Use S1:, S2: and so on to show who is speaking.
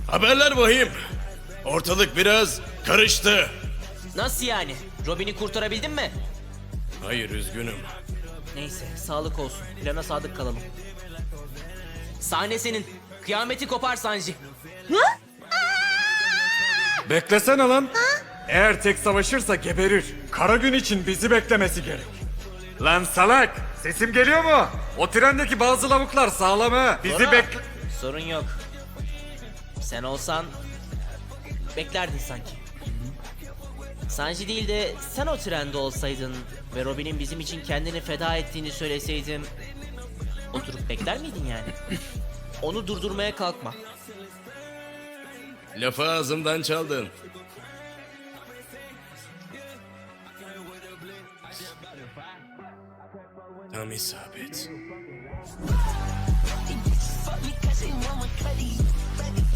S1: Haberler vahim. Ortalık biraz karıştı.
S2: Nasıl yani? Robin'i kurtarabildin mi?
S1: Hayır, üzgünüm.
S2: Neyse, sağlık olsun. Plana sadık kalalım. Sahne senin. Kıyameti kopar Sanji.
S3: Beklesene lan. Eğer tek savaşırsa geberir. Kara gün için bizi beklemesi gerek. Lan salak! Sesim geliyor mu? O trendeki bazı lavuklar sağlam ha. Bizi
S2: Bora,
S3: bekle...
S2: sorun yok. Sen olsan beklerdin sanki. Sanji değil de sen o trende olsaydın ve Robin'in bizim için kendini feda ettiğini söyleseydim oturup bekler miydin yani? Onu durdurmaya kalkma.
S1: Lafı ağzımdan çaldın. Tam isabet.
S4: Fuck me 'cause they want my cutty.